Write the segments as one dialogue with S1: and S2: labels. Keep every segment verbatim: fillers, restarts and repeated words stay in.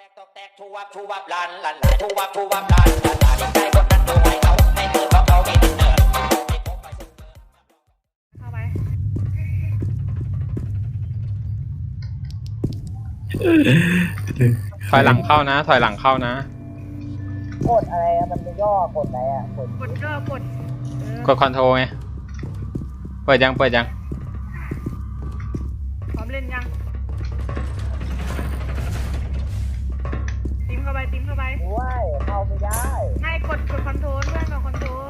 S1: ตอกแตกชูวับชูวับลันลันลายชูวับชูวับลันลันลายใจคนนั้นตัวใหม่เขาในเตือนเขาไม่ติดเนิร์ด
S2: เข้าไป
S3: ถอยหลังเข้านะถอยหลังเข้านะ
S4: กดอะไรอะมันจะย่อกดอะไรอะกด
S2: กดก็กด
S3: กดคอนโทรลไงเปิดยังเปิดยัง
S2: พร้อมเล่นยังติ้มเข้าไปติ้มเข้าไป
S4: ว้ายเข้าไม่ได้
S2: ให้กดกดคอนโทรลเพื่อนกดคอนโทรล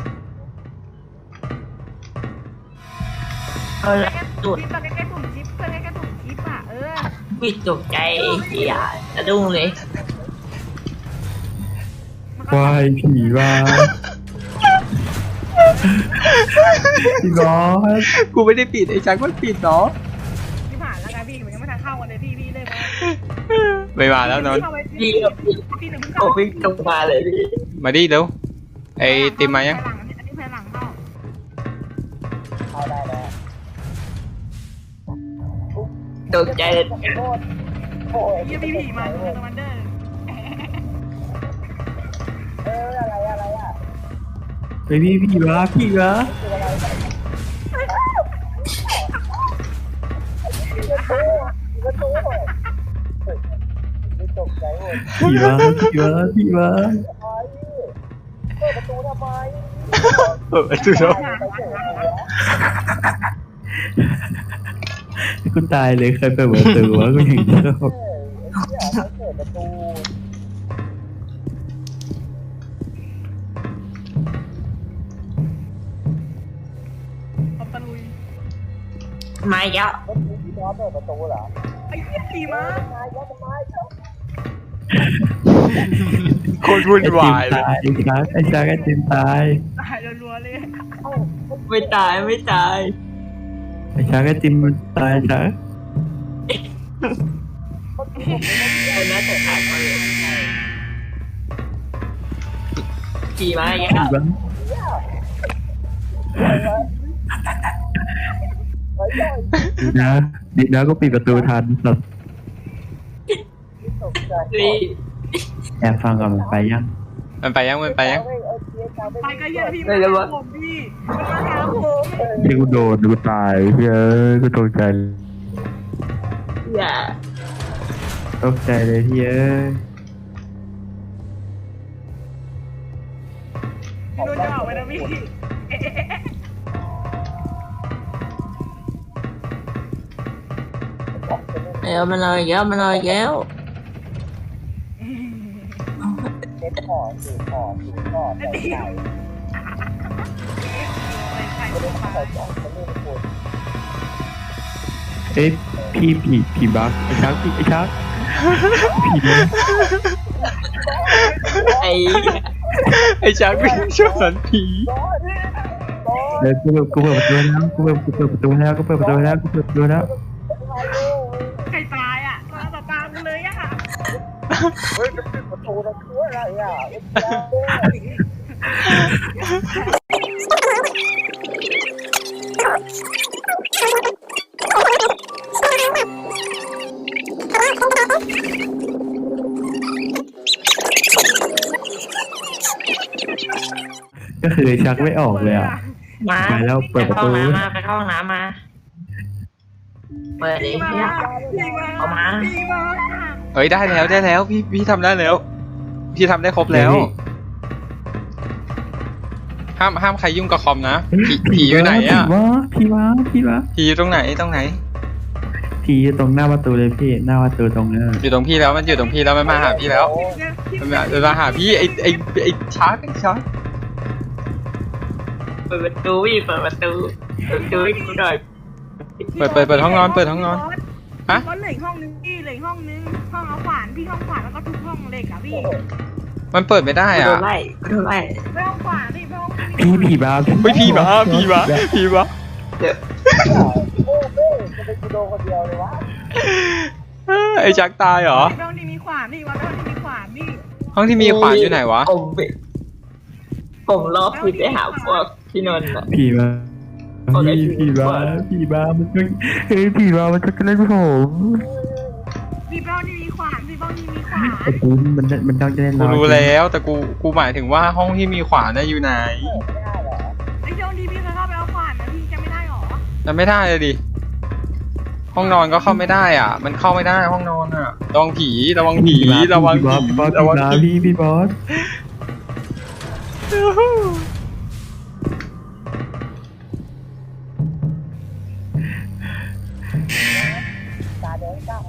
S5: เอาละจุด
S2: จิ๊บใกล้ๆปุ่มจิ๊บเพื่อนใกล้ๆปุ่มจิ๊บอ่ะเออ
S5: ปิดตกใจเฮียจะดุ้งเลยว
S6: ายผีมาพี่บอส
S3: กูไม่ได้ปิดไอ้จักมันปิดเนาะ
S2: พี่ผ่านแล้วไงพี่มันยังไม่ทันเข้ากันเลยพี่พี่เลยมา
S3: ไม่มาแล้วนนท์
S5: พี่ก็ปิด
S2: พี่หนึ่งเพิ่ง
S5: โอ้
S2: เข้า
S5: วิ่งตรงมาเลยพี่
S3: มาดิเร็วไอ้ติมมายัง
S2: อันนี้ภายหลังเข้า
S4: เข้าได้แล้ว
S5: ตกใจเลย
S4: โทษโอ้ย
S2: พี่พี่ผีมาดูคอมมานเดอร์
S4: เอออะไรอะไรอะ
S6: ไปพี่ผีมาผีมา
S4: คืออะไรประตูประตูไม่ตกใจหมด
S6: ผีมาผีมาผีมา
S4: ทำไมเปิดประตูทำไม
S3: เออไอ้จุดเนาะ
S6: กูตายเลยเคยเปิดประตูวะกูอย่างเดียว
S4: เออไอ้เหี้ยเขาเปิดประตู
S2: เอาตะลุย
S5: มาเยอะ
S4: เมื่อกี้พี่บอสเปิดประตูเหรอ
S2: ไอ้เหี้ยผีมา
S4: ทำไมวะทำไมเจ้า
S3: โคตรวุ่น
S6: ไอ้
S3: วา
S6: จิม
S3: ยเลย
S6: ตายไอ้ชักไอ้ชักไอ้จิมตาย
S2: ตายรัวๆเลย
S5: ไม่ตายไม่ตาย
S6: ไอ้ชักไอ้จิมมันตายชัก
S5: เอาหน้าแต่ตายมาเลยขี่มาเย
S6: ผี
S5: อะ
S6: มาดีนะดีนะก็ปิดประตูทันสัตว์
S4: ตกใจ
S5: พี่
S6: แอบฟังก่อนมันไปยัง
S3: มันไปยังมันไปยัง
S2: ไปก็เหี้ยพี่มันมาหาผมพี่มันมาหาผม
S6: ที่กูโดนกูตายเฮ้ยกูตกใจ
S5: อย่า
S6: ตกใจเลยพี่เอ้ย
S2: พี่โดนจะออกไปนะพี่
S5: เดี๋ยวมันลอยเยอะมันลอยเยอะ
S4: เซ็ตของสื่อของสื่อของแต่ใจไม่ได้เข้าใจเขาไม่ได้พูด
S6: เอ้ยพี่ผีผีบักไอ้ชักพี่ไอ้ชักผีบัก
S5: ไอ้
S3: ไอ้จักวิ่งชนสันผี
S6: เดี๋ยวกูเปิดกูเปิดประตูแล้วกูเปิดกูเปิดประตูแล้วกูเปิดประตูแล้วกูเปิดประตูแล้ว
S2: ใครตายอ่ะมาต่อตามกันเลยอ่ะ
S4: เฮ้ยจะปิดประตูทำคืออะไรอ่ะ
S6: ก็คือชักไม่ออกเลยอ่ะ
S5: มา
S6: ไปแล้วเปิดประตู
S5: ไปเข้าห้องน้ำมาไปเข้าห้องน้ำมาเปิดดิ
S2: พี่
S5: เนี่ย
S2: มาพี่มา
S5: เอามา
S2: พี่มา
S3: เฮ้ยได้แล้วได้แล้วพี่พี่ทำได้แล้ว พี่ทำได้ครบแล้ว ห้ามห้ามใครยุ่งกับคอมนะผีผีอยู่ไหนอะ
S6: ผีวะผีวะผีวะ
S3: ผีอยู่ตรงไหนตรงไหน
S6: ผีอยู่ตรงหน้าประตูเลยพี่หน้าประตูตรงนั้น
S3: อยู่ตรงพี่แล้วมันอยู่ตรงพี่แล้วมันมาหาพี่แล้วมันมามันมาหาพี่ไอไอไอชาร์กไอชาร์ก
S5: เปิดประตูพี่เปิดประตูเปิดประตูให้กูหน่อย
S3: เปิดเปิดเปิดห้องนอนเปิดห้องนอน ฮะ
S2: ก็เหลือห้องนึงพี่เหลือห้องนึงห้องเอาขวานพี่ห้องขวานแล้วก็ทุบห้องเหล็กอ่ะพี่
S3: มันเปิดไม่ได้
S5: กูโด
S3: อ่ะ
S5: นไล่กูโดนไล่
S2: ไม่ห้องขวานพี่ไม่ห้อง
S6: พี่ผีบ้า
S3: เฮ้ยพี่บ้าพี่บ้าพี่บ้า
S5: เดี๋ยว
S4: โอ้เฮ้ยจะเป็นกูโดคนเดียวเลยวะ
S3: ไอจักตายเหรอ
S2: ไม่ห้องที่มีขวานพี่ว่าห้องที่มีขวานพี่
S3: ห้องที่มีขวานอยู่ไหนวะ
S5: ผมไปผมรอบพี่ไปหาพวกพี่นนท์อะ
S6: ผีบ้าพี่ผีบ้าผีบ้ามันก็เฮ้ยผีบ้ามันก็เล่นผม
S2: พี่ไปห้องที่มีขขวานพี่บ้องนี่มีขวาน
S6: ไอ้กูมันมันต้องจะเล่น
S3: กูรู้แล้วแต่กูกูหมายถึงว่าห้องที่มีขวานน่ะอยู่ไหน
S2: ไอ้เจ้าดีพี่เคยเข้าไปเอาขวานนะพี่จะไม่ได้หรอ
S3: มันไม่ได้เลยดิห้องนอนก็เข้าไม่ได้อ่ะ มันเข้าไม่ได้ห้องนอนอ่ะระวังผีระวังผีระวัง
S6: บอส
S3: ผี
S6: บอส
S3: ระวังผี
S6: พี่พี่บอส
S4: ตาแดงจ้า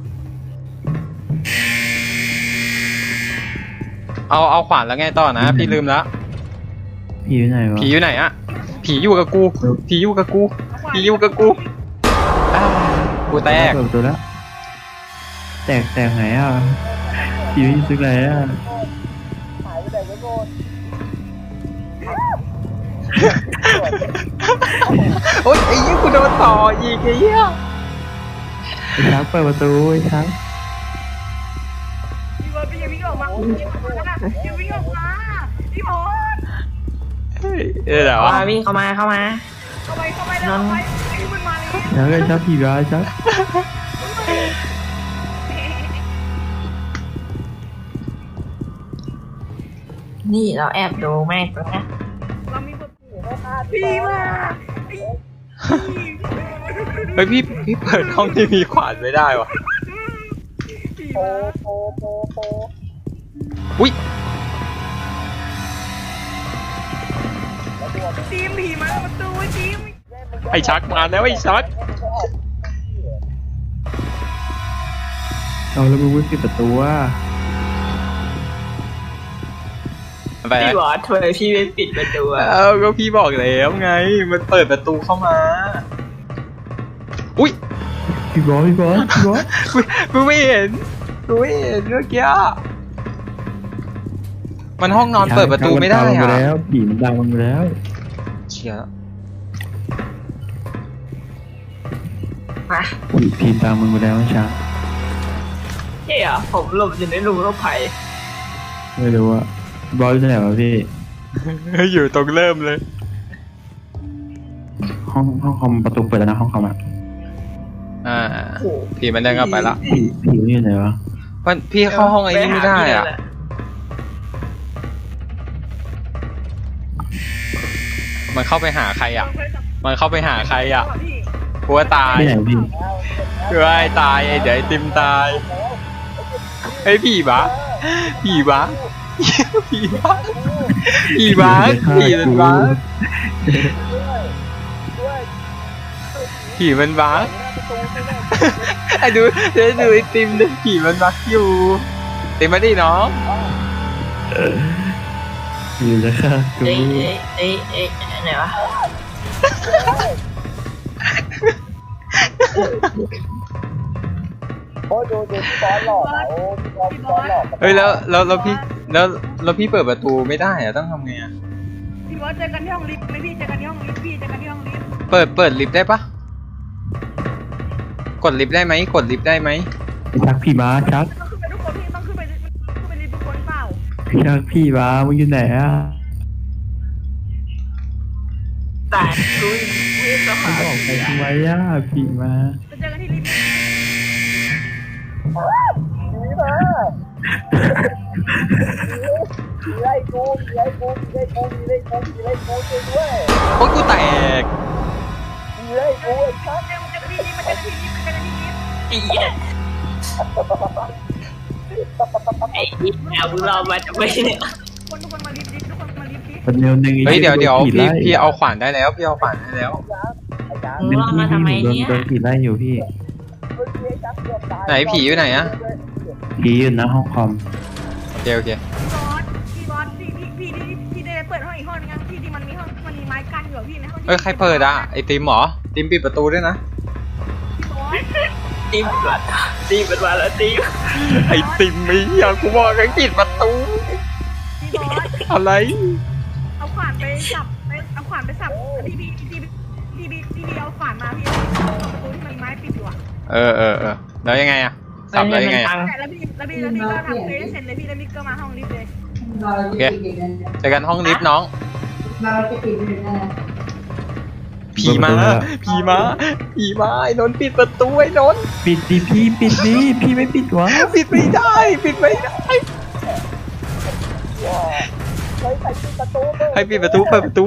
S3: เอาเอาขวานแล้วไงต่อนะพี่ลืมแล้ว
S6: พี่อยู่ไหนวะ
S3: ผีอยู่ไหนอะผีอยู่กับกูผีอยู่กับกูผีอยู่กับกูอ้าวกูแตก
S6: เปิดประตัวแล้วแตกแตกไหนอ่ะพี่อยู่ซึกไหนอ่ะ
S4: หายไปไหนไม่โดน
S3: โอ๊ยไอ้ยี่กูโดนต่ออีกไอ้เหี้ย
S6: ไอ้ช้างเปิดประตูไอ้ช้าง
S2: พี่บอสพี่อย่าวิ่งออกมาพี่อย่าวิ่งออกมาพี่บอส
S3: เฮ้ยเออเหรอวะ
S5: มาวิ่งเข้ามาเข้ามา
S2: เข้าไปเข้าไปแล้วเข้าไปไอ้มันมาเลย
S6: ช้างไอ้ช้างผีร้ายช้าง
S5: นี่เราแอบดูแม่งตัวนะ
S2: เรามีบทพี่มาไอ้พี่
S3: เฮ้ยพี่พี่เปิดห้องที่มีขวานไม่ได้วะ
S2: พี่
S4: โป
S2: มา
S4: โปโปโป
S3: อุ้ย
S2: ทีมผีมาประตูทีม
S3: ไอ้ชักมาแล้วไอ้ชัก
S6: เอาแล้วมึงวิ่งปิดประตูว่า
S3: ไป
S5: พี่บอสทำไมพี่ไม่ปิดประตูอะ
S3: เอ้าก็พี่บอกแล้วไง มันเปิดประตูเข้ามาอุ้ย
S6: พี่บอสพี่บอสพี่บอส
S3: กูไม่เห็นกูไม่เห็นเมื่อกี้มันห้องนอนเปิดประตูไม่ได้
S6: ช้างมันตามมึง
S3: อะ
S6: แล้วผีมันตามมึงแล้ว
S3: เชียร์
S5: มา
S6: ผีผีตามมึงไปแล้วไอ้ช้าง
S5: เฮ้ยเหรอผมหลบอยู่ในรูรถไฟ
S6: ไม่รู้อะบอสอยู่ไหนวะพี่
S3: อยู่ตรงเริ่มเลย
S6: ห้องห้องคอมประตูเปิดแล้วนะห้องคอมอะ
S3: อ่าผีมันเดินกลับไปละ
S6: ผีผีอยู่ไหนวะ
S3: มันพี่เข้าห้องไอ้นี่ไม่ได้อ่ะ มันเข้าไปหาใครอ่ะ มันเข้าไปหาใครอ่ะกลัวตาย
S6: ที่ไหนพี่
S3: กลัวไอ้ตายไอ้เดี๋ยวไอ้ติมตายไอ้ผีบ้าผีบ้าผีบ้าผีบ้าผีมันบ้าผีมันบ้าไอ้ดูเดี๋ยวดูไอ้ติมดิผีมันบ้าอยู่ติมมาดิน้อง
S6: อยู่แล้วค่ะกู
S5: เอ้ยเอ้ยเอ้ยเอ้ยไหนวะ
S4: โอ้ดูดูพี่บอสหลอกโอ้พี่บอสพี่บอสหลอก
S3: เฮ้ยแล้วแล้วแล้วพี่แล้วแล้วพี่เปิดประตูไม่ได้อะต้องทำไงอะ
S2: พี่บอสเจอกันที่ห้องลิฟต์ไหมพี่เจอกันที่ห้องลิฟต์พี่เจอกันที่ห้องลิฟต์
S3: เปิดเปิดลิฟต์ได้ปะกดลิฟต์ได้ไหมกดลิฟต์ได้ไหม
S6: ไอ้ชักพี่ม้าชัก
S2: ต้องขึ้นไปทุกคนพี่ต้องขึ้นไปขึ้นไปลิฟต์ทุกคนเปล่า
S6: ชักพี่ม้ามึงอยู่ไหนอ่ะ
S5: แต่กูวิ่งเข้า
S6: มึ
S5: มาง
S6: ออกไปทำไมอ่ะพี่ม้า
S2: จะเจอกันที่ลิฟต์
S4: ผีมาผีไล่กูผีไล่กูผีไล่กูผีไล่กูผีไล่กูช่วยด้วย
S3: โอ้ยกูแตก
S4: ผีไล่กูไอ้ชัก
S2: เจอมันเจอกันที่ลิฟต์มันเจอกันที่ลิฟต์มันเจอกันที่ลิฟต์
S5: ไอ้เหี้ยไอ้เหี้ยมึงรอมาจะไม่เนี่ย
S2: คนทุกคนมาลิฟต์ลิฟต์ทุกคนมาลิฟต์ลิฟต์
S6: คนเดียวหนึ่ง
S3: เฮ้ยเดี๋ยวเดี๋ยว
S6: ผี
S3: พี่
S6: ไล่
S3: พี่เอาขวานได้แล้วพี่เอาขวานได้แล้ว
S4: ไอ้ชัก
S5: มึงรอมาทำไม
S6: โดน
S5: เนี่ย
S6: โดนผีไล่อยู่พี่
S4: เมื่อกี้ไอ้ชักเกือบตาย
S3: ไหนผีอยู่ไหนอะ
S6: ผีอยู่นะห้องคอม
S3: โอเคโอเค
S2: พี่บอสพี่บอสพี่พี่พี่พี่พี่ได้เปิดห้องอีกห้องนึงยังพี่ที่มันมีห้องมันมีไม้กั้นอยู่อะพี่ในห้องที่
S3: เอ้ยใครเปิดอะไอติมเหรอติมปิดประตูด้วยนะ
S2: พี่บอส
S5: ตีมันมาตีมันมาแล้วตี
S3: ไอติมไอ้เหี้ยกูบอกให้ปิดประตู
S2: พี่บอส
S3: อะไร
S2: เอาขวานไปสับไปเอาขวานไปสับพี่พี่พี่พี่พี่พี่พี่เอาขวานมาพี่เอาประตูที่มันมีไม้ปิดอยู่อะ
S3: เออเออเออแล้วยังไงอะสับแล้วยังไงอะ
S2: แล้วพี่แล้วพี่แล้วพี่ก็ทำเฟซเสร็จเลยพี่แล้วพี่ก็มาห้องลิฟต์เลย
S3: โอเคเจอกันห้องลิฟต์น้องผีมาผีมาผีมาไอ้นนท์ปิดประตูไอ้นนท์
S6: ปิดดิพี่ปิดดิพี่ไม่ปิดวะ
S3: ปิดไม่ได้ปิดไม่ได้
S4: เฮ้ยใส่ปิดประตูเลย
S3: ให้ปิดประตูเปิดประตู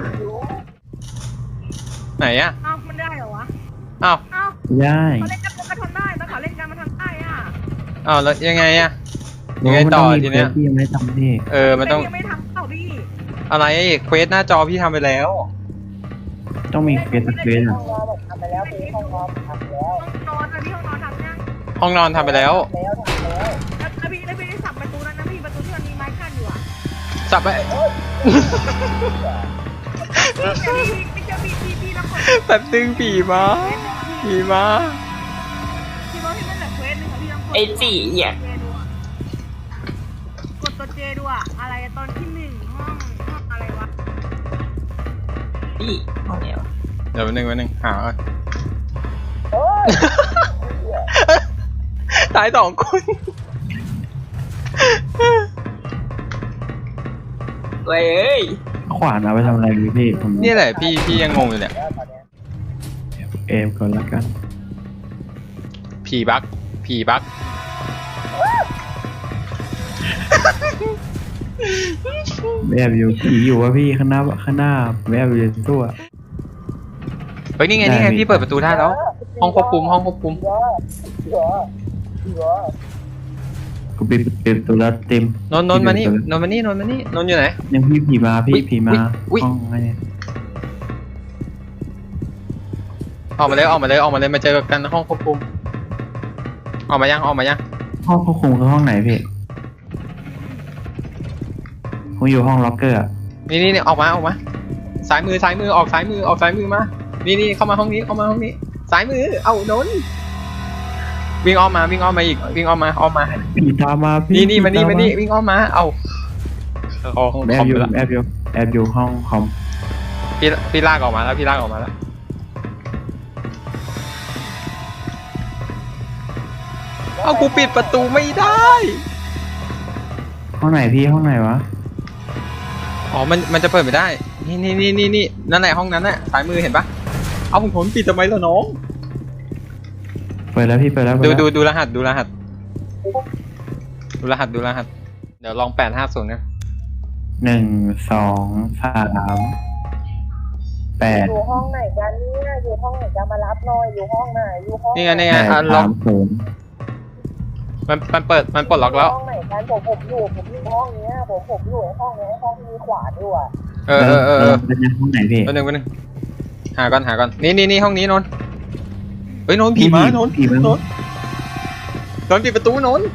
S3: ไหนอะ
S2: เอ้ามันได้เหรอวะ
S3: อ้าว
S2: เอ้า
S6: ได้
S2: เขาเล่นกันมันทำได้แต่เขาเล่นกันมันทำได้อ่ะ
S3: อ้าวแล้วยังไงอะยังไงต่อทีเนี้ย
S6: พี่ยังไม่ทำพี่
S3: เออมันต้อง
S2: แต่ยังไม่ทำเปล่าพี่
S3: อะไรเควสหน้าจอพี่ทำไปแล้ว
S6: ต้องมีเควสสักเควส
S4: ห้
S6: อ่ะ
S4: องนอนแบบทำไปแล้วพี่ห้องนอนทำแล้ว
S2: ห้องนอนอะพี่ห้องนอนทำยัง
S3: ห้องนอนทำไปแล้ว
S4: แล้วทำแล้ว
S2: แล้วแล้วพี่แล้วพี่ได้สับประตูนั้นนะพี่ประตูที่มันมีไม้กั้นอยู่อ่ะ
S3: สับไป
S2: พี่พี่จะพี่พี่พี่แล้วคน
S3: แป๊บนึงผีมาผีมา
S2: พี่บอกพี่มันแบบเควสหนึ่งอะพี่ต้องกด
S5: ไอ้จีอ่ะ
S2: กดตัวเจดูอะอะไรอะตอนที่หนึ่งห้องห้องอะไรวะ
S5: พี่ห้องเดียว
S3: เดี๋ยวแป๊บนึงแป๊บนึงหาก่อน
S4: เฮ้ย
S3: ตายสองคน
S5: เว้ย
S6: ขวานเอาไปทำอะไรดีพี่ผม
S3: นี่แหละพี่พี่ยังงงอยู่เนี่ย
S4: แล้วตอนเนี้ย
S6: เอฟก่อนละกัน
S3: ผีบั๊กผีบั๊ก
S6: แอบอยู่ผีอยู่วะพี่ข้างหน้าข้างหน้าแอบอยู่ในตัว
S3: เฮ้ยนี่ไงนี่ไงพี่เปิดประตูได้แล้ว ห้องควบคุมห้องควบคุม
S4: เดี๋ยวเดี๋ยวเดี๋ยว
S6: กูปิดปิดประตัวแล้วเต็ม
S3: นนท์นนท์มานี่นนท์มานี่นนท์มานี่นนท์อยู่ไหน
S6: ยังพี่ผีมา
S3: อุ๊
S6: พี่
S3: ย
S6: ผีมา
S3: อุ๊ย
S6: ห้องอะไรเนี่ย
S3: ออกมาเลยออกมาเลยออกมาเลยมาเจอกันห้องควบคุมออกมายังออกมายัง
S6: ห้องควบคุมคือห้องไหนพี่ผมอยู่ห้องล็อกเกอร์อะ
S3: นี่นี่นี่ออกมาออกมาซ้ายมือซ้ายมือออกซ้ายมือออกซ้ายมือมานี่นี่เข้ามาห้องนี้เข้ามาห้องนี้ซ้ายมือเอ้านนท์วิ่งออกมาวิ่งออกมาอีกวิ่งออกมาออกมา
S6: ผีตามมาพี่
S3: นี่นี่มานี่
S6: ผี
S3: มา
S6: ต
S3: นี่วิ่งออกมาเอาเอาห้อง
S6: แอ
S3: คอบ ม
S6: อยู่
S3: ไปละ
S6: แอบอยู่แอบอยู่ห้องคอม
S3: พี่พี่ลากออกมาแล้วพี่ลากออกมาแล้วเอากูปิดประตูไม่ได้
S6: ห้องไหนพี่ห้องไหนวะ
S3: อ๋อมันมันจะเปิดไม่ได้นี่นี่นี่นี่นี่นั่นแหละห้องนั้นน่ะซ้ายมือเห็นปะเอาผมผมปิดทำไมล่ะน้อง
S6: เปิดแล้วพี่เปิดแล้วเปิ
S3: ดู
S6: แล้ว
S3: ดูดูรหัสดูรหัสดูรหัสดูรหัสเดี๋ยวลองแปดห้าศูนย์นะ
S6: หนึ่งสองสามแปด
S4: อยู่ห้องไหนกันเนี่ยอยู่ห้องไหนกันมารับหน่อยอยู่ห้องไหนอยู่ห้อง
S3: นี่ไงนี่
S6: แป
S3: ไง
S6: ด
S3: อ่ะล็อ
S6: สาก มศูนย์
S3: มันมันเปิดมันปลดล็อกแล้ว
S4: ห้องไหนกันผมผมอยู่ผมอยู่ห้องเนี้ยผมผมอยู่ไอ้ห้องเนี้ยห้องที่มีขวานอยู่อ่ะ
S3: เออเออเออเออ
S6: เป็นยังห้องไหนพี่
S3: แป๊บนึงแป๊บนึงหาก่อนหาก่อนนี่นี่นี่ห้องนี้นนท์เฮ้ยนนท์ผีมานนท์
S6: ผีมาน
S3: นท์นนท์ปิดประตูนนท์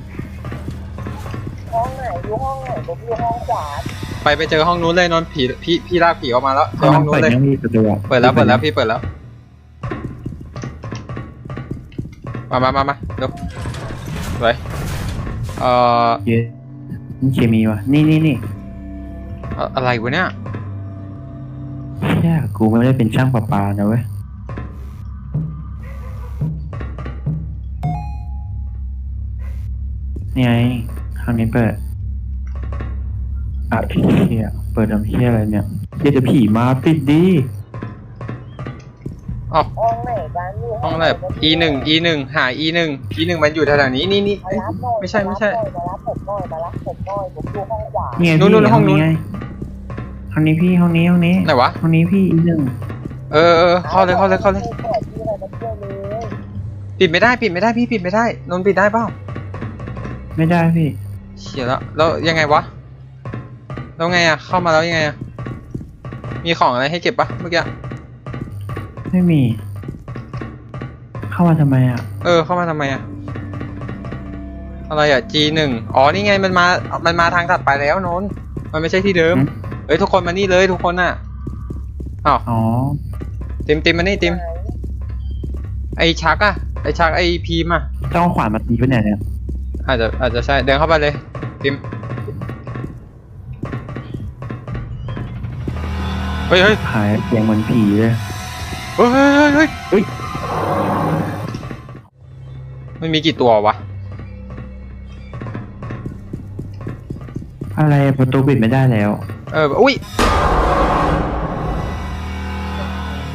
S4: ห้องไหนอยู่ห้องไหนผมอยู่ห้องขวาน
S3: ไปไปเจอห้องนู้นเลยนนท์ผีพี่พี่ลากผีออกมาแล้วเจ
S6: ห้
S3: อ
S6: อง
S3: ห้องนู้
S6: เปิ
S3: น
S6: ด
S3: เลย
S6: ยังมีประตูอะ
S3: เปิดแล้วเปิดแล้วพี่เปิดแล้วมามามามาเดี๋ยวไปเอ่อ
S6: เย้นี่เคมีวะนี่นี่นี่
S3: อะอะไรวะเนี่ย
S6: แค่กูไม่ได้เป็นช่างประปานะเว้ยนี่ไงห้องนี้เปิดอ่ะเฮียเปิดทำเฮียอะไรเนี่ยเดี๋ยวจะผีมาปิดดิ
S3: อ๋อ
S4: ห้องไหนกันอยู่
S3: ห้องแบบ e หนึ่ง e หนึ่งหา e หนึ่ง e หนึ่งมันอยู่แถวๆนี้นี่นี่
S4: มา
S3: เอ้ย
S4: รับหน่อย
S3: ไม่ใช่ไม่ใช่
S4: มารับผมหน่อยมารับผมหน่อยผมอยู่ห้องขวาน
S6: นี่ไง
S3: นู่น
S6: พี่
S3: นู่นห้องนู้น
S6: ไงห้องนี้พี่ห้องนี้ห้องนี้
S3: ไหนวะ
S6: ห้องนี้พี่อีกหนึ่ง
S3: เออเออเข้าเลยเข้าเลยเข้าเลย
S4: เปิดที่อะไรมาเที่ยวเลย
S3: ปิดไม่ได้ปิดไม่ได้พี่ปิดไม่ได้นนท์ปิดได้เปล่า
S6: ไม่ได้พี่
S3: เฉียแล้วแล้วยังไงวะแล้วไงอะเข้ามาแล้วยังไงอะมีของอะไรให้เก็บปะเมื่อกี้
S6: ไม่มี เข้ามาทำไมอ่ะ
S3: เออเข้ามาทำไมอะอะไรอะ จี หนึ่ง อ๋อนี่ไงมันมามันมาทางถัดไปแล้วนนท์มันไม่ใช่ที่เดิม
S6: หืม
S3: เฮ้ยทุกคนมานี่เลยทุกคนน่ะอ้าว
S6: อ๋อ
S3: ติมติมมานี่ติมไอชักอะไอชักไอพีมอะ
S6: ต้องเอาขวานมาตีปะเนี่ยเนี่ย
S3: อาจจะอาจจะใช่เดินเข้าไปเลยติมเฮ้ยเฮ้ย
S6: หายเสียงเหมือนผีเลย
S3: เฮ้ยเฮ้ยเฮ้ยเฮ้ย
S6: เฮ้ย
S3: มันมีกี่ตัววะ
S6: อะไรประตูปิดไม่ได้แล้ว
S3: เอออุ้ย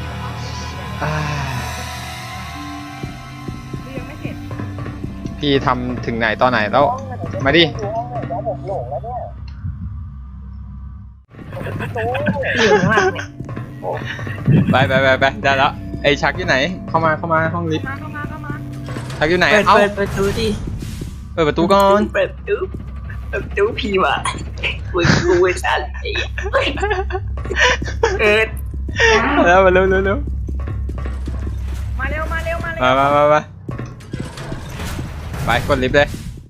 S3: พี่ทำถึงไหนตอนไหนแล้ว มาดิ
S4: ดูห้องไหนแล้วผมหลงแล้วเนี่ยประตู
S5: อยู่ข้างหลังเนี่ย
S3: ไปไปไปไปได้แล้วไอชักอยู่ไหน เข้ามาเข้ามาห้องลิฟต์
S2: มาเข้ามาเข้ามา
S3: ชักอยู่ไหน
S5: เปิด
S3: เอ้า
S5: เปิดประตูดิ
S3: เปิดประตูก่อน
S5: เปิดประตูเปิดประตูพี่วะมึงกูไอ้สัตว์ไอ้เอิร์ด
S3: แล้วมาเร็วเร็วเร็ว
S2: มาเร็วมาเร็วมาเร็ว
S3: มามามามาไปกดลิฟต์เลย